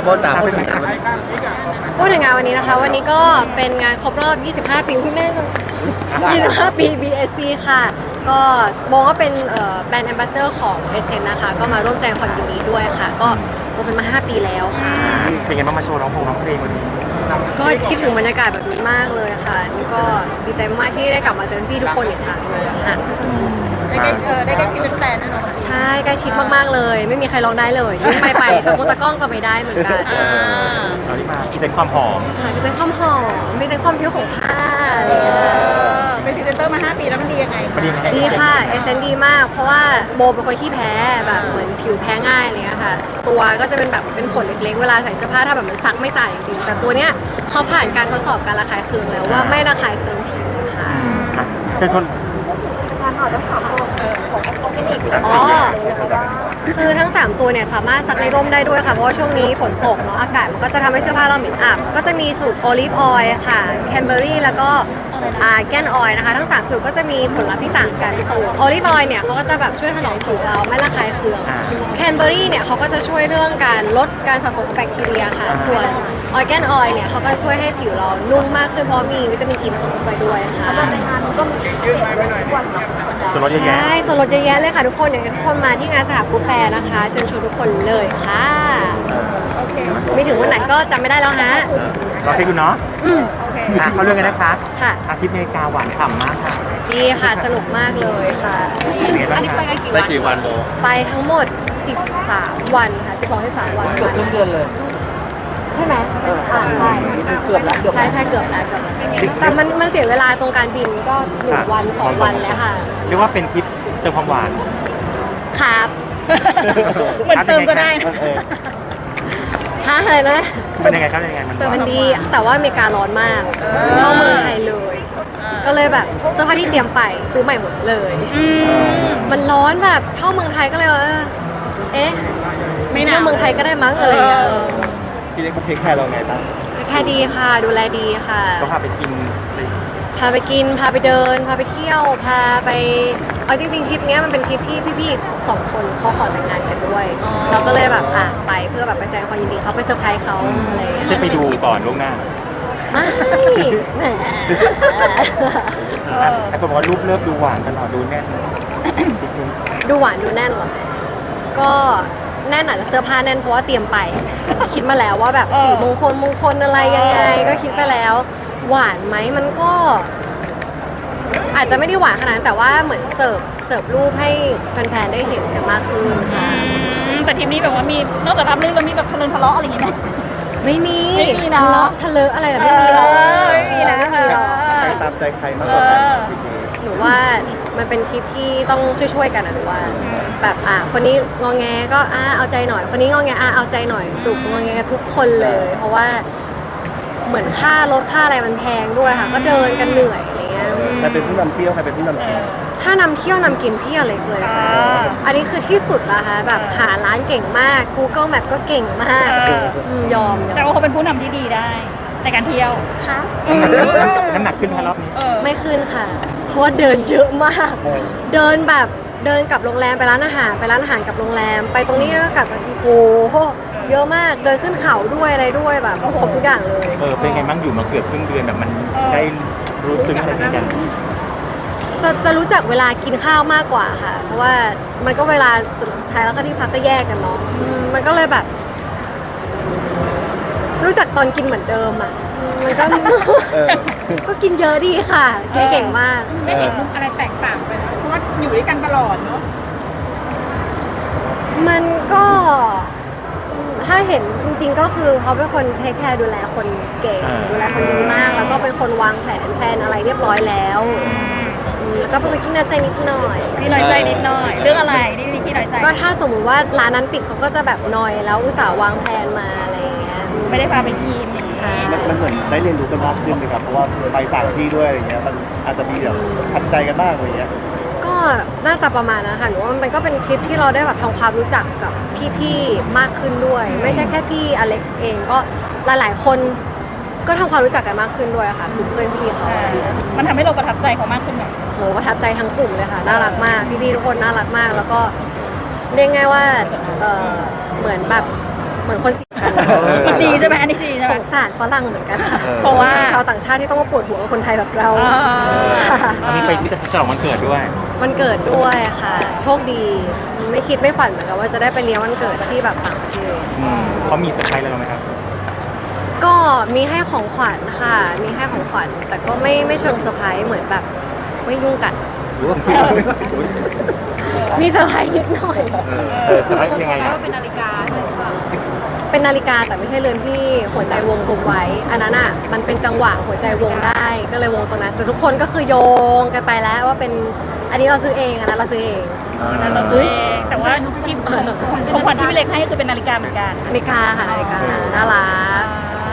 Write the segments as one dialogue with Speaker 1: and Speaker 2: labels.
Speaker 1: โบจ๋าพูดถึงงาน
Speaker 2: วันนี้นะคะวันนี้ก็เป็นงานครบรอบ 25 ปีพี่แม่25 ปี BSC ค่ะก็โบก็เป็นแบรนด์แอมบาสเดอร์ของ BSC นะคะก็มาร่วมแสดงความยินดีด้วยค่ะก็โบเป็นมา5 ปีแล้วค่ะ
Speaker 3: เป็นไงบ้างมาโชว์ร้องเพลงวันนี้
Speaker 2: ก็คิดถึงบรรยากาศแบบนี้มากเลยค่ะนี่ก็ดีใจมากที่ได้กลับมาเจอพี่ทุกคนอีกครั้งเลยค่ะ
Speaker 4: ได้ใกล้ชิดเป็นแฟนนะ
Speaker 2: ใช่ใกล้ชิดมากๆเลยไม่มีใครร้องได้เลยยิ่งไปตะโกนตะก้องก็ไม่ได้เหมือนกัน
Speaker 3: เราที่มาพิเศษความหอม
Speaker 2: ค่ะพิเศษความหอมพิเศษความผิวของผ้า
Speaker 4: เป็นพรีเซนเตอร์มา5 ปีแล้วมันดียังไง
Speaker 2: ดีค่ะเอเซนดีมากเพราะว่าโบเป็นคนขี้แพ้แบบเหมือนผิวแพ้ง่ายอะไรเงี้ยค่ะตัวก็จะเป็นแบบเป็นขนเล็กๆเวลาใส่เสื้อผ้าถ้าแบบมันซักไม่ใส่จริงๆแต่ตัวเนี้ยเขาผ่านการทดสอบการระคายเคืองแล้วว่าไม่ระคายเคืองผิวค่ะ
Speaker 3: เชิญชวน
Speaker 2: อ๋อคือทั้ง3ตัวเนี่ยสามารถซักในร่มได้ด้วยค่ะเพราะว่าช่วงนี้ฝนตกเนาะอากาศมันก็จะทำให้เสื้อผ้าเราเหม็นอับก็จะมีสูตรโอลิฟออยล์ค่ะแคนเบอรี่แล้วก็แกนออยล์นะคะทั้ง3สูตรก็จะมีผลลัพธ์ที่ต่างกันคือโอลิฟออยล์เนี่ยเขาก็จะแบบช่วยถนอมผิวเราไม่ระคายเคืองแคนเบอรี่เนี่ยเขาก็จะช่วยเรื่องการลดการสะสมของแบคทีเรียค่ะส่วนออยแกนออยล์เนี่ยเขาก็ช่วยให้ผิวเรานุ่มมากขึ้นเพราะมีวิตามินอีผสมเข้าไปด้วยค่ะ
Speaker 3: ส่วนลดเยอะแยะ
Speaker 2: ใช่ส่วนลดเยอะแยะเลยค่ะทุกคนอย่างทุกคนมาที่งานสหกูแฟร์นะคะเชิญชวนทุกคนเลยค่ะไม่ถึงวันไหนก็จำไม่ได้แล้วฮะ
Speaker 3: รอเช็คดูเนาะเขาเรื่องกันนะคะ
Speaker 2: ค่ะ
Speaker 3: อาทิตย์อเมริกาหวานฉ่ำมากค่ะ
Speaker 2: ดีค่ะสนุกมากเลยค่ะ
Speaker 4: อันนี้ไปกัน
Speaker 1: กี่วันโบ
Speaker 2: ไปทั้งหมด13 วันค่ะ12-13 วัน
Speaker 1: เกือบเดือนเลย
Speaker 2: ใช่ไหมใช่
Speaker 1: เกือบแล้ว
Speaker 2: ใช่เกือบแล้วแต่มันเสียเวลาตรงการบินก็1 วัน2 วันแล้วค่ะ
Speaker 3: เรียกว่าเป็นทริปเติมความหวาน
Speaker 2: ครับ
Speaker 4: เหมือนเติมก็ได้
Speaker 2: อะไรนะ
Speaker 3: เป็นยังไงครับยังไง
Speaker 2: มันดีแต่ว่าอเมริการ้อนมากเข้าเมืองไทยเลยก็เลยแบบเสื้อผ้าที่เตรียมไปซื้อใหม่หมดเลยมันร้อนแบบเข้าเมืองไทยก็เลยไม่น่าเมืองไทยก็ได้มั้ง
Speaker 1: พี่เล็กเขาเทคแคร์เราไงบ้าง
Speaker 2: แค่ดีค่ะดูแลดีค่ะ
Speaker 3: ก็พาไปกิน
Speaker 2: พาไปเดินพาไปเที่ยวพาไปเอาจริงๆทริปนี้มันเป็นทริปที่พี่ๆ2 คนเขาขอแต่งงานกันด้วยเราก็เลยแบบไปเพื่อแบบไปแสดงความยินดีเขาไปเซอร์ไพรส์เขาอะไรอย่างเงี้ย
Speaker 3: ไปดูก่อนล่วงหน้า
Speaker 2: ไม่แหม
Speaker 3: ไอ้คนบอกว่ารูปเลิฟดูหวานตลอดดูแน่น
Speaker 2: ดูหวานดูแน่นหรอก็แน่นอาจจะเสื้อผ้าแน่นเพราะว่าเตรียมไปคิดมาแล้วว่าแบบสีมงคลอะไรยังไงก็คิดไปแล้วหวานไหมมันก็อาจจะไม่ได้หวานขนาดนั้นแต่ว่าเหมือนเสิร์ฟรูปให้แฟนๆได้เห็นกันมากขึ้น
Speaker 4: แต่ทีมนี้แบบว่ามีนอกจากรับเรื่องแล้วมีแบบทะเลาะอะไรอย่างเงี้ยไหม
Speaker 2: ไม่มี
Speaker 4: ทะเลาะ
Speaker 2: อะไรแบบไม่มีหรอก
Speaker 4: ไม่มีนะ
Speaker 1: ใครตามใจใครมากกว่ากัน
Speaker 2: หนูว่ามันเป็นทริปที่ต้องช่วยกันหนูว่าแบบคนนี้งอแงก็เอาใจหน่อยคนนี้งอแงเอาใจหน่อยสุกงอแงทุกคนเลยเพราะว่าเหมือนค่ารถค่าอะไรมันแพงด้วยค่ะก็เดินกันเหนื่อยอะไรเงี้ย
Speaker 1: ใครเป็นผู้นำเที่ยวใครเป็นผู้นำกิน
Speaker 2: ถ้านำเที่ยวนำกินพี่อเล็กเลยค่ะอันนี้คือที่สุดละค่ะแบบหาร้านเก่งมาก Google Map ก็เก่งมากยอม
Speaker 4: แต่ว่าเขาเป็นผู้นำที่ดีได้ในการเที่ยว
Speaker 2: ค่ะ
Speaker 3: น้ำหนักขึ้นไหมรอบนี้
Speaker 2: ไม่ขึ้นค่ะเพราะว่าเดินเยอะมากเดินกลับโรงแรมไปร้านอาหารกับโรงแรมไปตรงนี้แล้วก็กลับโอ้โหเยอะมากเดินขึ้นเขาด้วยอะไรด้วยแบบครบทุกอย่างเลย
Speaker 3: เป็นไงบ้างอยู่มาเกือบครึ่งเดือนแบบมันได้รู้สึกอะไรกัน
Speaker 2: จะรู้จักเวลากินข้าวมากกว่าค่ะเพราะว่ามันก็เวลาสุดท้ายแล้วก็ที่พักก็แยกกันเนาะมันก็เลยแบบรู้จักตอนกินเหมือนเดิมมันก็กินเยอะดีค่ะกินเก่งมาก
Speaker 4: ได้เห็นมุกอะไรแตกต่างไปเพราะว่าอยู่ด้วยกันตลอดเนาะ
Speaker 2: มันก็ถ้าเห็นจริงๆก็คือเขาเป็นคนเทคแคร์ดูแลคนเก่งดูแลคนดีมากแล้วก็เป็นคนวางแผนอะไรเรียบร้อยแล้วแล้วก็เป็นคนขี้น้อยใจนิดหน่อย
Speaker 4: เรื่องอะไรที่น้อยใจ
Speaker 2: ก็ถ้าสมมุติว่าร้านนั้นปิดเขาก็จะแบบนอยแล้วอุตส่าห์วางแผนมาอะไรอย่างเงี้ย
Speaker 4: ไม่ได้พาไปกิน
Speaker 2: ใช่
Speaker 1: มันเหมือนได้เรียนรู้กันมากขึ้นเลยครับเพราะว่าไปต่างที่ด้วยอะไรเงี้ยมันอาจจะมีแบบทัดใจกันบ้างอะไรเงี้ย
Speaker 2: ก็น่าจะประมาณนั้นค่ะหนูว่ามันก็เป็นทริปที่เราได้แบบทำความรู้จักกับพี่ๆมากขึ้นด้วยไม่ใช่แค่พี่อเล็กซ์เองก็หลายๆคนก็ทำความรู้จักกันมากขึ้นด้วยค่ะกลุ่มเพื่อนพี่เขา
Speaker 4: มันทำให้เราประทับใจเขามากขึ้นไหม
Speaker 2: โหประทับใจทั้งกลุ่มเลยค่ะน่ารักมากพี่ๆทุกคนน่ารักมากแล้วก็เรียกง่ายว่าเหมือนคนสิ
Speaker 4: มันดีใช่ไหมอันนี้ดีใช่ไห
Speaker 2: ส
Speaker 4: ม
Speaker 2: งสารฝรั่งเหมือนกันค่ะ
Speaker 4: เพราะว่า
Speaker 2: ชาวต่างชาติที่ต้องมาปวดหัวกับคนไทยแบบเรา
Speaker 3: อันนี้ไปที่ฉลองวันเกิดด้วย
Speaker 2: วันเกิดด้วยค่ะ โชคดี ไม่คิดไม่ฝันเหมือนกันว่าจะได้ไปเลี้ยงวันเกิดที่แบบต่างประเทศ
Speaker 3: เขามีเซอร์ไพรส์อะไรเราไหมครับ
Speaker 2: ก็มีให้ของขวัญค่ะ มีให้ของขวัญ แต่ก็ไม่เชิงเซอร์ไพรส์เหมือนแบบไม่ยุ่งกัน มีเซอร์ไพรส์นิดหน่อย
Speaker 3: เซอร์ไพรส์ยังไงอ่ะ
Speaker 2: เป็นนาฬิกาแต่ไม่ใช่เรือนที่หัวใจวงกลมไว้ อันนั้นอ่ะมันเป็นจังหวะหัวใจวงได้ ก็เลยวงตรงนั้น แต่ทุกคนก็คือโยงกันไปแล้วว่าเป็นอันนี้เราซื้อเองอันนั้นเราซื้อเอง
Speaker 4: นั่นเราซื้อเองแต่ว่าที่ของขวัญที่พี่เล็กให้คือเป็นนาฬิกาเหมือนกัน
Speaker 2: นาฬิกาค่ะนาฬิกาน่ารัก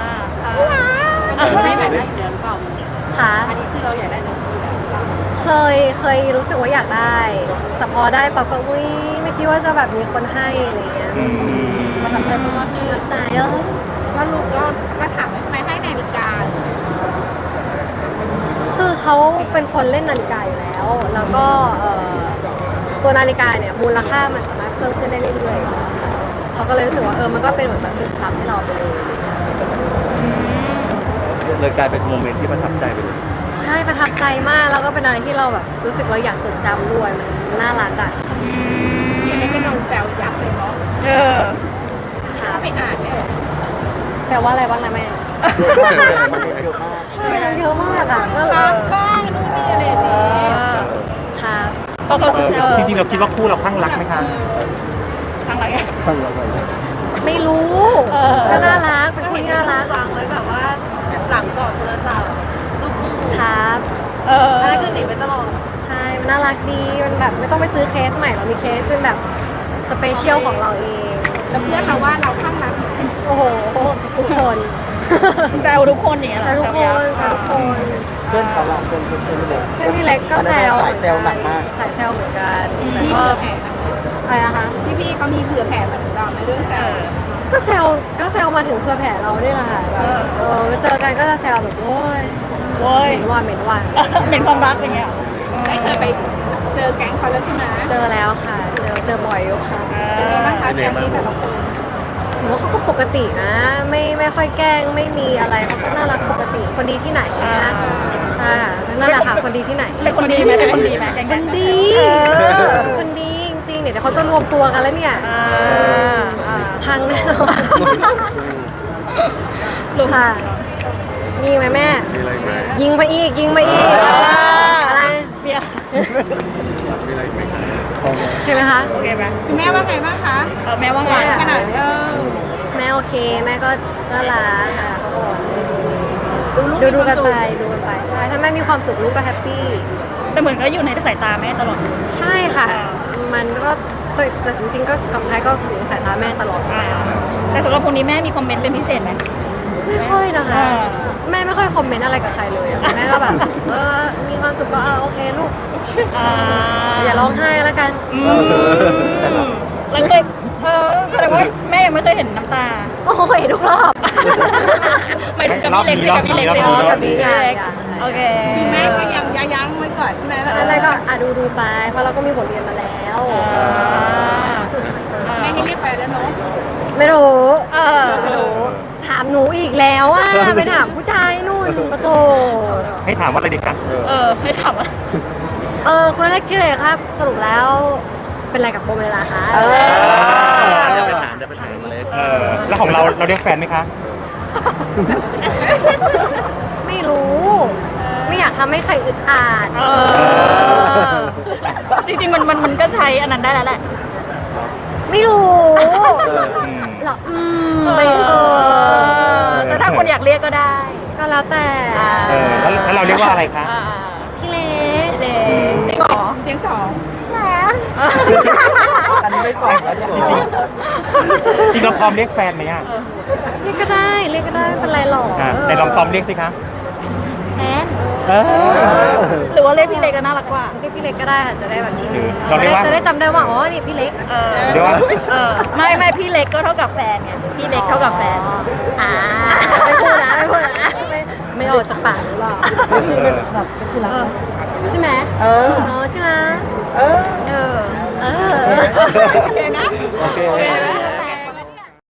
Speaker 4: ไม่แบบนั้น
Speaker 2: ค่ะอันนี้คือเราอยากได้เคยรู้สึกว่าอยากได้ แต่พอได้ปั๊บก็อุ้ยไม่คิดว่าจะแบบมีคนให้อะไรเงี้ยมันแบบใจเพราะว่าคือใจ
Speaker 4: ว่าลูกก็ถามว่าทำไมให้นาฬิกา
Speaker 2: คือเขาเป็นคนเล่นนาฬิกาอยู่แล้ว แล้วก็ตัวนาฬิกาเนี่ยมูลค่ามันสามารถเพิ่มขึ้นได้เรื่อยๆเขาก็เลยรู้สึกว่ามันก็เป็นเหมือนแบบสินทรัพย์ให้เราไปเลย
Speaker 1: เลยกลายเป็นโมเมนต์ที่ประทับใจไปเลย
Speaker 2: ใช่ประทับใจมากแล้วก็เป็นอะไรที่เราแบบรู้สึกเราอยากจดจำด้วยมันน่ารักอ่ะ
Speaker 4: ยังไงก็โดนแซวยับเลยเนาะ
Speaker 2: ค่ะ
Speaker 4: ไปอ่านเนี่ย
Speaker 2: แซวว่าอะไรบ้างนะแม่มันเยอะมากอ่ะก็
Speaker 4: รักบ้างนู่นนี่อะไรนี้
Speaker 2: ครับ
Speaker 3: จริงๆเราคิดว่าคู่เราข้างรักไหมคะ
Speaker 4: ทางอะไร
Speaker 2: ไม่รู้ก็น่ารักเป็นคนที่น่ารัก
Speaker 5: วางไว้แบบว่าหลังกล่องโทรศัพท์รูปคู่
Speaker 2: ครับ
Speaker 5: อะไรก็หนีไปตลอด
Speaker 2: ใช่มันน่ารักดีมันแบบไม่ต้องไปซื้อเคสใหม่เรามีเคสเป็นแบบสเปเชียลของเราเอง
Speaker 4: แล้วเพื่อนเราว่าเราข้างรัก
Speaker 2: โอ้โหทุกคน
Speaker 4: แซวทุกคนอย่างเงี้ย
Speaker 2: แซวทุกคนแซวทุกคน
Speaker 1: เพื่อนเขาเพื่อนเลย
Speaker 2: เพื่อนพี่เล็กก็แซว
Speaker 1: สายแซวหนักมาก
Speaker 2: สายแซวเหมือนกันแต่
Speaker 4: มี
Speaker 2: ก็
Speaker 4: เผื่อแผ่
Speaker 2: อะไรนะคะ
Speaker 4: พี่เขามีเผื่อแผ่มาถึงเราในเรื่องแซว
Speaker 2: ก็แซวมาถึงเพื่อแผ่เรานี่แหละค่ะแบบเจอกันก็จะแซวแบบโอ้ย
Speaker 4: โว้ย
Speaker 2: เหม็นว่าเหม็นว่า
Speaker 4: เป็นความรักอย่างเงี้ยไม่เคยไปเจอแก๊งเขาแล้วใช่ไหม
Speaker 2: เจอแล้วค่ะ เจอบ่อยอยู่ค่ะ
Speaker 4: เป็นไงบ้างคะแก๊งที่แบบเรา
Speaker 2: ถือว่าเขาก็ปกตินะ ไม่ค่อยแกล้งไม่มีอะไรเขาก็น่ารักปกติคนดีที่ไหนนะใช่ค่ะนั่นแหละค่ะคนดีที่ไหน
Speaker 4: เป็นคนดีไหมเป็นคนดีไหมแก๊ง
Speaker 2: คนดีคนดีจริงๆเดี๋ยวเขาจะรวมตัวกันแล้วเนี่ยพังแน่นอนค่ะยิงไหมแม่
Speaker 1: มีอะไรไหม
Speaker 2: ยิงไปอีกอะไร
Speaker 4: เบียร์
Speaker 1: มีอะไรไหม
Speaker 2: ใช่ไหมคะ
Speaker 4: โอเคไหมคุณแม่ว่าไงบ้างคะแม่ว่าไงขนาด
Speaker 2: แม่โอเคแม่ก็น่ารักค่ะเขาบอกดูกันไปใช่ถ้าแม่มีความสุขลูกก็แฮปปี้
Speaker 4: แต่เหมือนก็อยู่ในสายตาแม่ตลอด
Speaker 2: ใช่ค่ะ มันก็แต่จริงๆก็กับใครก็อยู่ในสายตาแม่ตลอดอยู่แล้ว
Speaker 4: แต่สำหรับคนนี้แม่มีคอมเมนต์เป็นพิเศษไหม
Speaker 2: ไม่ค่อยนะคะ แม่ไม่ค่อยคอมเมนต์อะไรกับใครเลยอะแม่ก็แบบมีความสุขก็โอเคลูกอย่าร้องไห้แล้วกัน
Speaker 4: แล้วเคยแสดงว่าแม่ยังไม่เคยเห็นน้ำตา
Speaker 2: โอ้โหเห็นทุกรอบ
Speaker 4: ไม่ถึงกับพี่เล็กกับพี่เล็ก
Speaker 2: กับพี่อย่าง
Speaker 4: โอเคแม่ก็ยังยั้งไว้ก่อนใช่ไหม
Speaker 2: แม่ก็ดูไปเพราะเราก็มีบทเรียนมาแล้ว
Speaker 4: แม่ให้เรียกไปแล้วเนาะ
Speaker 2: ไม่รู้ถามหนูอีกแล้วไปถามผู้ชายนู่นปะโถ
Speaker 3: ให้ถามว่าอะไรดีกัน
Speaker 4: ให้ถามว่า
Speaker 2: คุณเล็กที่เลยครับ สรุปแล้วเป็นอะไรกับโบเมลาคะ
Speaker 1: จะไปถามมาเลย
Speaker 3: แล้วของเราเรียกแฟนไหมคะ
Speaker 2: ไม่รู้ ไม่อยากทำให้ใครอึดอัด
Speaker 4: จริงๆมันก็ใช้อันนั้นได้แล้วแหละ
Speaker 2: ไม่รู้หรอไม่
Speaker 4: แต่ถ้าคนอยากเรียกก็ได้
Speaker 2: ก็แล้วแต่
Speaker 3: แล้วเราเรียกว่าอะไรคะ
Speaker 2: พี่เล็ก
Speaker 4: เสียงสองเสียงสอง
Speaker 2: แล้ว
Speaker 1: อันนี้ไม่ตอบแล้ว
Speaker 3: จริงเราพร้อมเรียกแฟนไหมอ่ะ
Speaker 2: เรียกก็ได้ไม่เป็นไรหรอก
Speaker 3: ไหนลองซ้อมเรียกสิคะ
Speaker 2: แทน
Speaker 4: หรือว่าเรียกพี่เล็กก็น่ารักกว่า
Speaker 2: เรียกพี่เล็กก็ได้ค่ะจะได้แบบชิน
Speaker 3: เราเรียกว่า
Speaker 2: จะได้จำได้ว่าอ๋อนี่พี่เล็ก
Speaker 3: เดี๋ยวว่า
Speaker 4: ไม่พี่เล็กก็เท่ากับแฟนไงพี่เล็กเท่ากับแฟน
Speaker 2: ไม่พูดนะไม่ออกจากปากหรือเปล่าใช่ไหมที่รักโอเคนะ
Speaker 1: โอเค